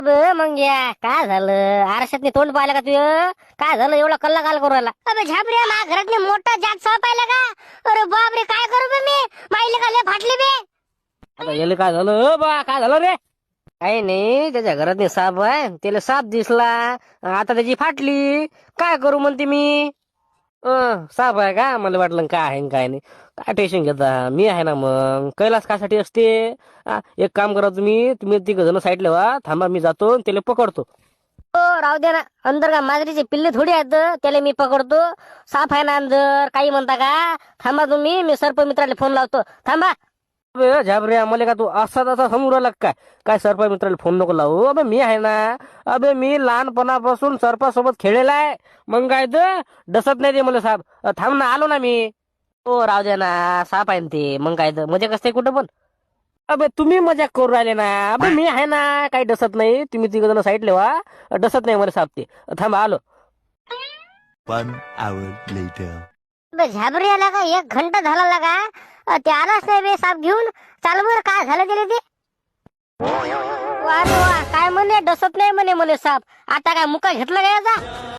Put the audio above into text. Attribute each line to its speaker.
Speaker 1: मग या काय झालं? आरशात तोंड पाहिलं का तुझं? काय झालं एवढा कल्ला काल करू राहिला?
Speaker 2: अबे झापऱ्या मा घरात मोठा जात साप पाहिला का? अरे बाप रे, काय करू बे मी? माईले खाले फाटली बे.
Speaker 1: आता याला काय झालं बा? काय झालं रे? काही नाही, त्याच्या घरात साप आहे, त्याला साप दिसला, आता त्याची फाटली. काय करू म्हणते मी? साप आहे का? मला वाटलं काय आहे न काय नाही. काय टेन्शन घेता, मी आहे ना. मग कैलास कासाठी असते. एक काम करा, तुम्ही तिघ जण साईडला व्हा, थांबा, मी जातो त्याला पकडतो. हो राहू दे ना, अंदर का मांजरीचे पिल्ले थोडी आहेत, त्याला मी पकडतो. साप आहे ना अंदर, काही म्हणता का? थांबा तुम्ही, मी सर्पमित्राला फोन लावतो, थांबा. अबे झाबऱ्या, मला का तू असा तसा समोर आला काय? काय सर्प मित्राला फोन नको लावू. अबे मी आहे ना. अबे मी लहानपणापासून सर्पासोबत खेळलेला आहे. मग काय तर डसत नाही ते मला साप. थांब ना, आलो ना मी. हो राहू दे ना, साप आहे ना ते. मग काय तर मजा कसते कुठं पण. अबे तुम्ही मजा करू राहिले ना. अबे मी आहे ना, काही डसत नाही. तुम्ही तिघ जण साईड लेवा, डसत नाही मला साप ते. थांबा, आलो.
Speaker 3: 1 hour later.
Speaker 2: अबे झापऱ्याला का 1 घंटा झाला लागा, ते आलाच नाही बे साप घेऊन. चाल बरं, काय झालं त्याला ते?
Speaker 1: वा रे वा, काय म्हणे डसत नाही म्हणे मला साप. आता काय मुका घेतला का याचा?